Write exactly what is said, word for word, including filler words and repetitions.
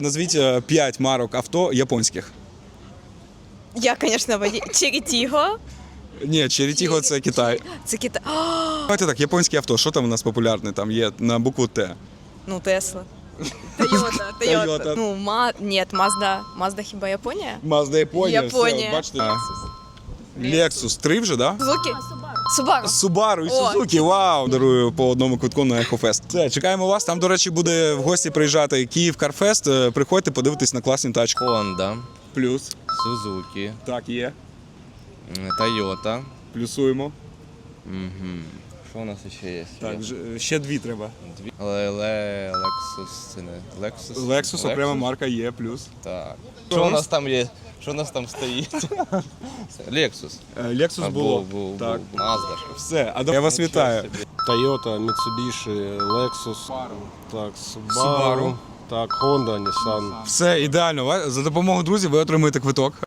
Назвіть п'ять марок авто японських. Я, звісно, водій. Черетіго. Ні, Черетіго – це Китай. Це Китай. Давайте так, японське авто, що там у нас популярне? Там є на букву Т. Ну, Тесла. Тойота. Тойота. Ну, ма... Ні, Мазда. Мазда хіба Японія? Мазда Японія. Японія. Все, бачите? Лексус. Три вже, так? Да? Сузуки? Субару. Субару і Сузуки, вау! Дарую по одному квитку на Ехофест. Все, чекаємо вас. Там, до речі, буде в гості приїжджати Київ Карфест. Приходьте, подивитись на класні тачки. Honda, Плюс. Suzuki, Так, є. Toyota. Плюсуємо. Угу. Що у нас ще є? Так, ще дві треба. Дві. Ле Lexus, це не Lexus? Lexus, окрема марка є, плюс. Так. Що у нас там є? Що у нас там стоїть? Lexus. Lexus А, було. був, був, Так. був. Mazda ж. Все, а я вас вітаю. Toyota, Mitsubishi, Lexus, так, Subaru, Subaru. так, Honda, Nissan. Все ідеально. За допомогою друзів ви отримуєте квиток.